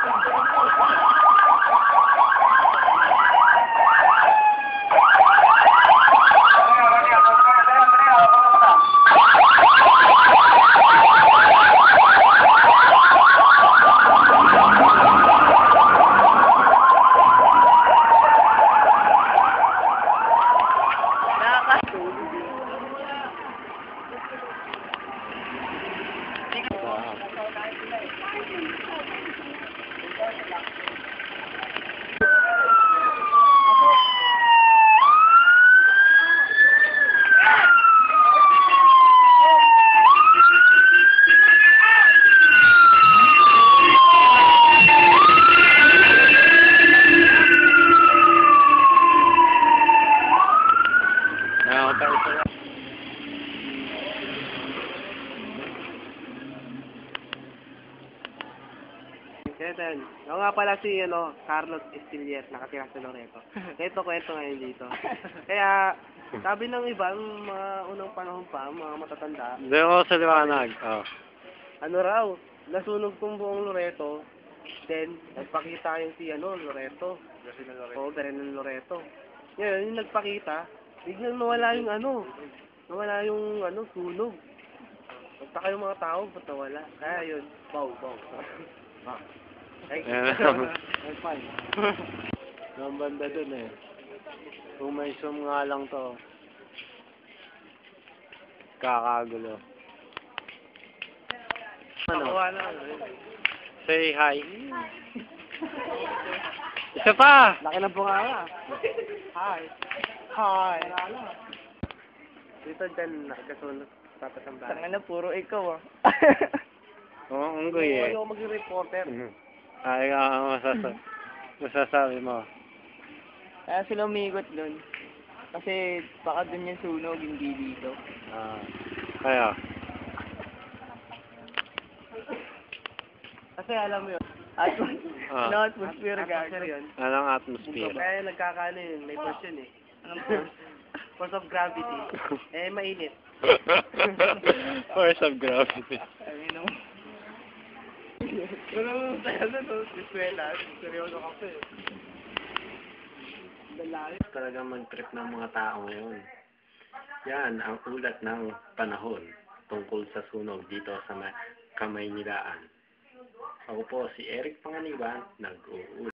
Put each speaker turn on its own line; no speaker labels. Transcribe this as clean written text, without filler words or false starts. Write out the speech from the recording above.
Kaya ako nga pala si Carlos Estillier, nakatira sa Loreto. Ito kwento ngayon dito. Kaya, sabi ng iba, mga unang panahon pa, mga matatanda.
Hindi ako sa liwanag. Oh.
Ano raw, nasunog tong buong Loreto, then, nagpakita yung si Loreto. Oo, Beren ng Loreto. Ngayon, yung nagpakita, biglang nawala yung sunog. Pagtaka yung mga tao, ba't nawala? Kaya yun, bow. Ay, fine.
Ang banda dun eh. Kung may zoom nga lang to. Kakagulo. Say hi. Isa pa!
Laki ng bunganga. Hi. Dito dyan, nakikasunod. Tapasambahan.
Tangina, puro ikaw
Oo, unggoy eh.
Ayaw maging reporter.
Ay, masasabi mo.
Kaya sila umiikot dun. Kasi baka dun yung sunog, hindi dito.
Kaya.
Kasi alam mo yun.
Atmosphere guard.
Atmosphere yun.
Anong atmosphere?
Kaya nagkakaano yun, may force yun eh. Anong force? Force of gravity. Mainit.
Force of gravity.
Wala mo tayo doon, eskwela. Seryoso ka pa eh.
Talagang mag-trip ng mga tao ngayon. Yan ang ulat ng panahon tungkol sa sunog dito sa Kamaynilaan. Ako po si Eric Panganiban, nag-uulat.